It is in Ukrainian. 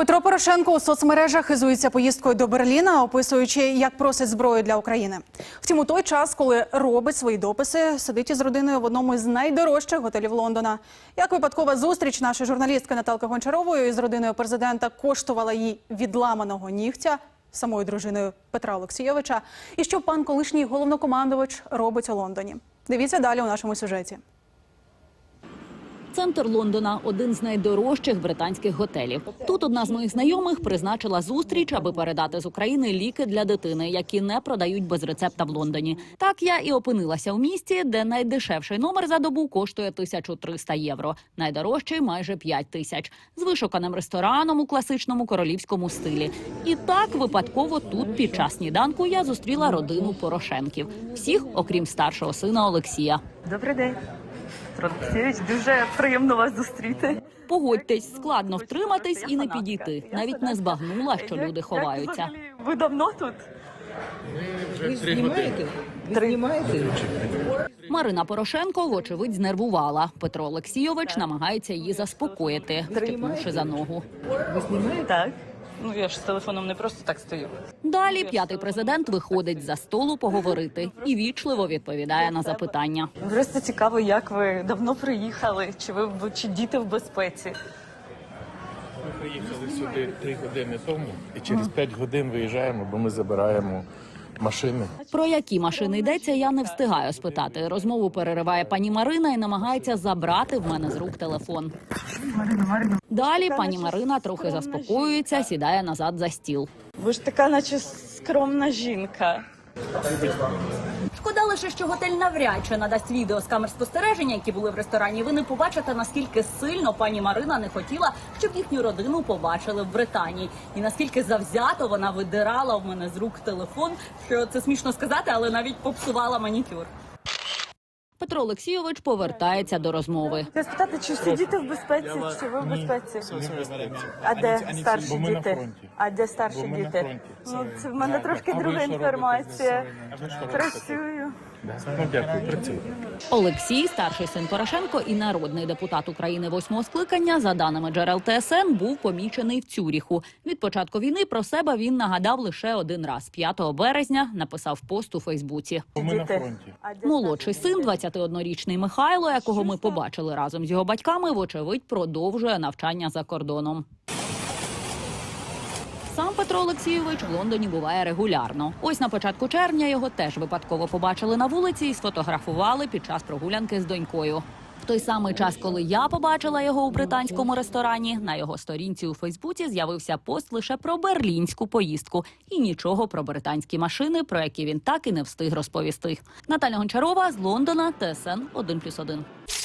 Петро Порошенко у соцмережах хизується поїздкою до Берліна, описуючи, як просить зброю для України. Втім, у той час, коли робить свої дописи, сидить із родиною в одному з найдорожчих готелів Лондона. Як випадкова зустріч нашої журналістки Наталки Гончарової із родиною президента коштувала їй відламаного нігтя самою дружиною Петра Олексійовича, і що пан колишній головнокомандувач робить у Лондоні. Дивіться далі у нашому сюжеті. Центр Лондона – один з найдорожчих британських готелів. Тут одна з моїх знайомих призначила зустріч, аби передати з України ліки для дитини, які не продають без рецепта в Лондоні. Так я і опинилася в місті, де найдешевший номер за добу коштує 1300 євро, найдорожчий – майже 5000, з вишуканим рестораном у класичному королівському стилі. І так випадково тут під час сніданку я зустріла родину Порошенків. Всіх, окрім старшого сина Олексія. Добрий день. Олексійович, дуже приємно вас зустріти. Погодьтесь, складно втриматись і не підійти. Навіть не збагнула, що люди ховаються. Ви давно тут? Ви знімаєте? Ви знімаєте? Марина Порошенко, вочевидь, знервувала. Петро Олексійович намагається її заспокоїти, втипнувши за ногу. Ви знімаєте? Так. Ну, я ж з телефоном не просто так стою. Далі п'ятий президент виходить за столу поговорити і вічливо відповідає на запитання. Просто цікаво, як ви давно приїхали, чи діти в безпеці? Ми приїхали сюди 3 години тому і через 5 годин виїжджаємо, бо ми забираємо машини. Про які машини йдеться, я не встигаю спитати. Розмову перериває пані Марина і намагається забрати в мене з рук телефон. Далі пані Марина трохи заспокоюється, сідає назад за стіл. Ви ж така, наче скромна жінка. Шкода лише, що готель навряд чи надасть відео з камер спостереження, які були в ресторані. Ви не побачите, наскільки сильно пані Марина не хотіла, щоб їхню родину побачили в Британії. І наскільки завзято вона видирала в мене з рук телефон, що це смішно сказати, але навіть попсувала манікюр. Петро Олексійович повертається до розмови. Я спитати, чи всі діти в безпеці, чи ви в безпеці? А де старші Бо ми на діти? фронті. А де старші Бо ми на діти? фронті. Ну, це в мене трошки А ви друга що робите? інформація. А ви що робите? Працюю. Ну, дякую, працюю. Олексій, старший син Порошенко і народний депутат України 8-го скликання, за даними джерел ТСН, був помічений в Цюріху. Від початку війни про себе він нагадав лише один раз. 5 березня написав пост у Фейсбуці. Бо ми на Діти. фронті. А де Молодший старші син, діти? 21-річний Михайло, якого ми побачили разом з його батьками, вочевидь, продовжує навчання за кордоном. Сам Петро Олексійович в Лондоні буває регулярно. Ось на початку червня його теж випадково побачили на вулиці і сфотографували під час прогулянки з донькою. В той самий час, коли я побачила його у британському ресторані, на його сторінці у Фейсбуці з'явився пост лише про берлінську поїздку і нічого про британські машини, про які він так і не встиг розповісти. Наталя Гончарова з Лондона, ТСН 1+1.